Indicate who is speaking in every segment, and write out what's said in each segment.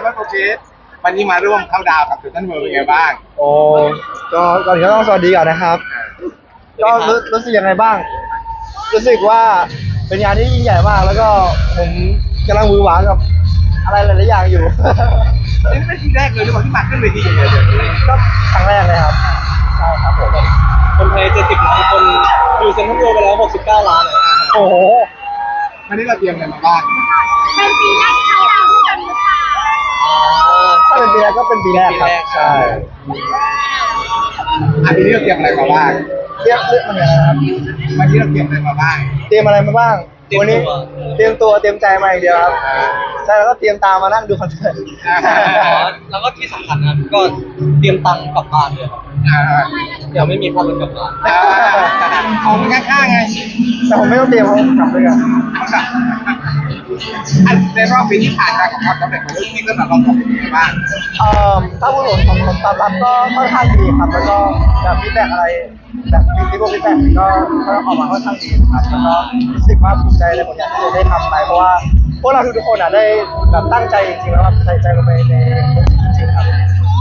Speaker 1: โอเควันนี้มาร่วมเข้าดาวกับเซนทรัลเวิลด์เป็นไงบ้าง
Speaker 2: โอ้ก็ก่อนอื่นก็ต้องสวัสดีก่อนนะครับก็รู้สึกยังไงบ้างรู้สึกว่าเป็นงานที่ยิ่งใหญ่มากแล้วก็ผมกำลังมือหวานกับอะไรหลายๆอย่างอยู่
Speaker 1: นี่เป็นทีแรกเลยหรือเปล่าที่มาขึ้นเวทีอย่างเงี้ย
Speaker 2: ก็ครั้งแรกเลยครับใช่ครับผม
Speaker 3: คนไทย70 ล้านคนอยู่เซ็นทรัลเวิลด์ไปแล้ว69 ล้าน
Speaker 2: โอ้โห
Speaker 1: วันนี้เราเตรียมอะไรมาบ้าง
Speaker 4: เป็นปีแรกที่เราด้วยกันหรือเปล่า
Speaker 2: ถ้าเป็นปีแรกก็เป็นปีแรกครับใช่
Speaker 1: อันนี้เราเตรียมอะไรมาบ้าง
Speaker 2: เรื่องมันอะไรครับ
Speaker 1: วันนี้เราเตรียมอะไรมาบ้าง
Speaker 2: เตรียมอะไรมาบ้างวันนี้เตรียมตัวเตรียมใจมาอย่างเดียวครับใช่แล้วก็เตรียมตามมานั่งดูคอนเสิร์ต
Speaker 3: แล้วก็ที่สำคัญนะก็เตรียมตังค์กลับบ้านด้วยครับเดี๋ยวไม่มีค่ารถกลับบ้าน
Speaker 1: ของข้างๆไง
Speaker 2: แต่ผมไม่ต้องเตรียมเขากลับด้วยกัน
Speaker 1: ในรอบปีที่ผ่านมาของความสำเร็จของลูกที่ก็แบบเราทำเป็นยังไงบ้าง
Speaker 2: ถ้าพูดถึงผมตอบรับก็ค่อนข้างดีครับแล้วก็แบบฟีดแบ็กอะไรแบบฟีดแบ็กก็ออกมาค่อนข้างดีครับแล้วก็รู้สึกว่าภูมิใจในผลงานที่เราได้ทำไปเพราะว่าพวกเราทุกคนได้แบบตั้งใจจริงๆแล้วแบบใส่ใจลงไปในจริงๆครับ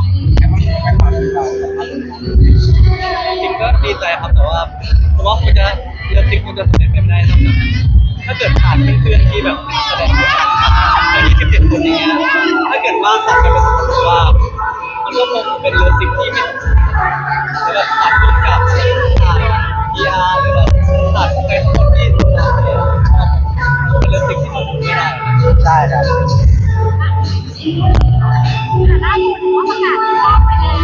Speaker 3: จริงก็ดีใจครับแต่ว่าผมว่ามันจะเรื่องจริงมันจะสำเร็จไม่ได้ถ้าเกิดผ่านเพื่อนๆที่แบบแสดงด้วยกันใน27 คนอย่างเงี้ยถ้าเกิดว่าตัดกันเป็นคนว่ามันก็คงเป็นเรื่องจริงที่ไม่แล้วแบบตัดร่วมกับถ่าย PR หรือแบบตัดใครทั้งหมดที่ทำงานเนี่ยเป็นเรื่องจริงที่มันไม่ได้
Speaker 2: ใช่ครับ
Speaker 4: แต่ล่าสุดว่าประกาศรอบไปแล้ว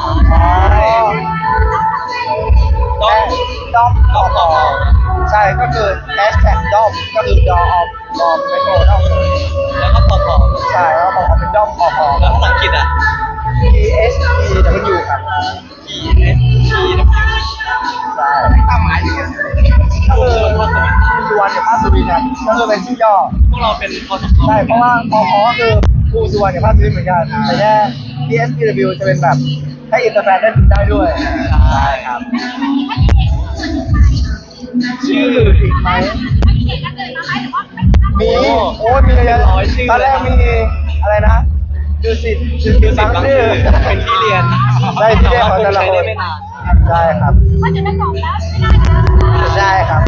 Speaker 2: ด้อมใช่ก็คือแฮชแท็กด้อมก็คือดอมไม่โกด้อม
Speaker 3: แล้วก็พอ
Speaker 2: ใช่แล้วพอเป็นด้อมพอ
Speaker 3: แล้วภาษาอังกฤษอ่ะ
Speaker 2: PSPW ครับ
Speaker 3: PSPW
Speaker 2: ใช่
Speaker 1: ความหมายยังไง
Speaker 2: ก็คือสุวรรณกับภาคสุรินทร์ครับก็คือเป็นชื่อย่อ
Speaker 3: พวกเราเป็นพอส
Speaker 2: ใช่เพราะว่าพอก็คือครูสุวรรณกับภาคสุรินทร์เหมือนกันแต่แค่ PSPW จะเป็นแบบให้อินเตอร์แฟนได้ด้วยใช่ครับชื่ออีกไหมมีโอ้มีเยอะตอนแรกมีอะไรนะดูสิ
Speaker 3: บางชื่อเป็นที่เรียน
Speaker 2: ได้ที่เรียนของแต่ละคนใช่ครับ
Speaker 4: ว่าจะเป็นสองแล้วไม่ได้นะ
Speaker 2: ใช่ครับ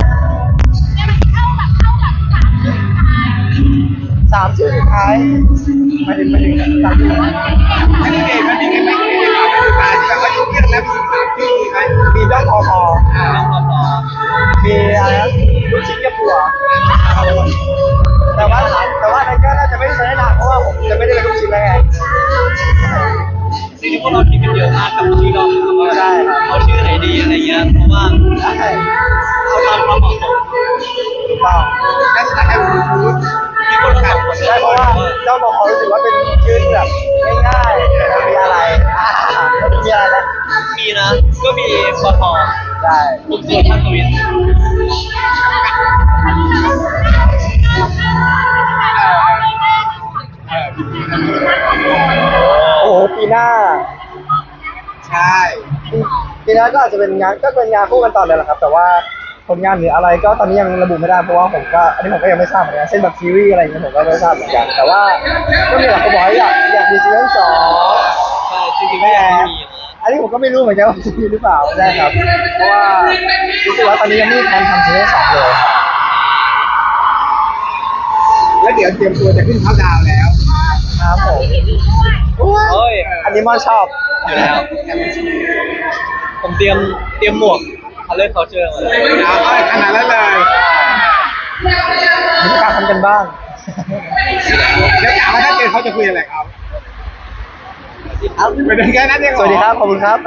Speaker 4: เข้าชื่อท้าย
Speaker 2: 3 ชื่อสุดท้ายมาถึง3 ชื่อ
Speaker 1: อันนี้เด็กมันมีไงบ้างที่แบบว่ายุ่งยากแล้ว
Speaker 2: มีด้อมพอมีอะไรนะลูกชิ้นกระปัวแต่ว่าในก็น่าจะไม่ได้ใช้นานเพราะว่าผมจะไม่ได้เป็นลูกชิ้นแล้วไง
Speaker 3: สิ่งที่พวกเราคิดกันเยอะมากกับชื่อเราว่าเอาชื่อไหนดีอะไรเงี้ยเพราะว่าเอาตามความเหมาะสม
Speaker 2: ถูกต้อง
Speaker 1: นักศึกษาให้รู้
Speaker 3: ที่คนเราคน
Speaker 2: ใช่เพราะว่าเจ้าบอกเขารู้สึกว่าเป็นชื่อที่แบบง่ายๆมีอะไรมีอะไรนะ
Speaker 3: มีนะก็มีปท
Speaker 2: ใช่
Speaker 3: ผมส่วนภาคตะวัน
Speaker 2: โอ้โหปีหน้า
Speaker 1: ใช่
Speaker 2: ปีหน้าก็อาจจะเป็นงานคู่กันต่อเลยแหละครับแต่ว่าผลงานหรืออะไรก็ตอนนี้ยังระบุไม่ได้เพราะว่าผมก็อันนี้ผมก็ยังไม่ทราบเหมือนกันเช่นแบบซีรีส์อะไรอย่างเงี้ยผมก็ไม่ทราบเหมือนกันแต่ว่าก็มีหลายคนบอกอยากมีซีซั่น 2
Speaker 3: ใช่จริงๆก็ยังไม่มี
Speaker 2: อันนี้ผมก็ไม่รู้เหมือนกันว่าจะมีหรือเปล่าใช่ครับเพราะว่ารู้สึกว่าตอนนี้ยังไม่มีแผนทำซีซั่น 2เลย
Speaker 1: แล้วเดี๋ยวเตรียมตัวจะขึ้นเข้าดาวแล้ว
Speaker 2: ครับผม
Speaker 3: โอ้ย
Speaker 2: อันนี้มอนชอบ
Speaker 3: อยู่แล้วผมเตรียมหมวกColor Culture มาเลย
Speaker 1: ขนาดนั้นเลย
Speaker 2: มีการทำกันบ้าง
Speaker 1: แล้วถามว่าถ้าเจอเขาจะคุยอะไรครับเป็นแค่นั้นเอง
Speaker 2: สวัสดีครับขอบคุณครับ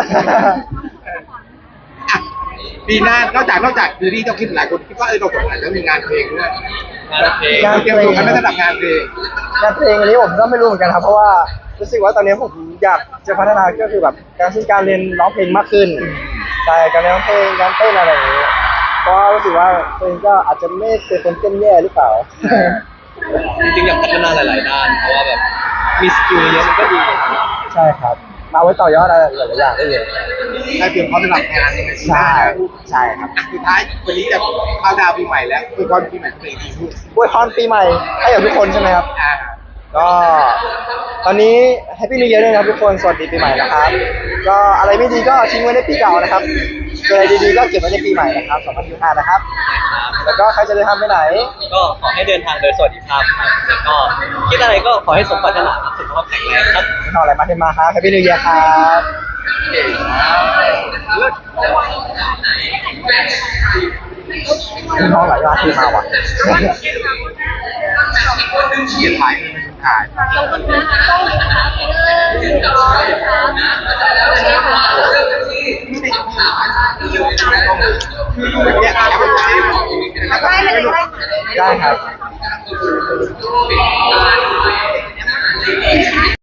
Speaker 1: ปีหน้านอกจากซีรีส์ต้องคิดหลายคนคิดว่าเราสองคนจะมีงานเพลงด้วย
Speaker 3: งานเพลง
Speaker 1: เตรียมตัวกันในระดับงานเพลง
Speaker 2: อันนี้ผมก็ไม่รู้เหมือนกันครับเพราะว่ารู้สึกว่าตอนนี้ผมอยากจะพัฒนาก็คือแบบการเรียนร้องเพลงมากขึ้นใช่การร้องเพลงการเต้นอะไรอย่างนี้เพราะรู้สึกว่าตัวเองก็อาจจะไม่เป็นคนเต้นแย่หรือเปล่า
Speaker 3: จริงๆอยากพัฒนาหลายๆด้านเพราะว่าแบบมีสกิลเยอะมันก็ดี
Speaker 2: ใช่ครับมาไว้ต่อยอดอะไรหลายๆอย่างได้เลย
Speaker 1: ได้เตรียมพร้อมสำหรับงานยังไง
Speaker 2: ใช่ครับ
Speaker 1: สุดท้ายวันนี้จะเข้าดาวปีใหม่แล้วคือวันปีใหม่เพลงดีพูด
Speaker 2: อวยพรปีใหม่ให้กับทุกคนใช่ไหมครับก็ตอนนี้แฮปปี้นิวเยียร์ด้วยนะครับทุกคนสวัสดีปีใหม่นะครับก็อะไรไม่ดีก็ทิ้งไว้ในปีเก่านะครับเจออะไรดีๆก็เก็บไว้ในปีใหม่นะครับ2025นะครับแล้วก็ใครจะเดินทางไปไหน
Speaker 3: ก็ขอให้เดินทางโดยสวัสดิภาพครับแล้วก็คิดอะไรก็ขอให้สมปรารถนาครับสุขภาพแข็งแรงครับ
Speaker 2: ไม่ทำอะไรมาเทมาครับแฮปปี้นิวเยียร์ครับ มีน้องหลายร้านที่มาว่ะ
Speaker 1: เขียนถ่ายถ่าย
Speaker 4: ขอบคุณนะคะต้องมีนะคะ
Speaker 1: เนี่ยแอบไปดูซิ
Speaker 4: ได้เลยได้
Speaker 2: ได้ครับ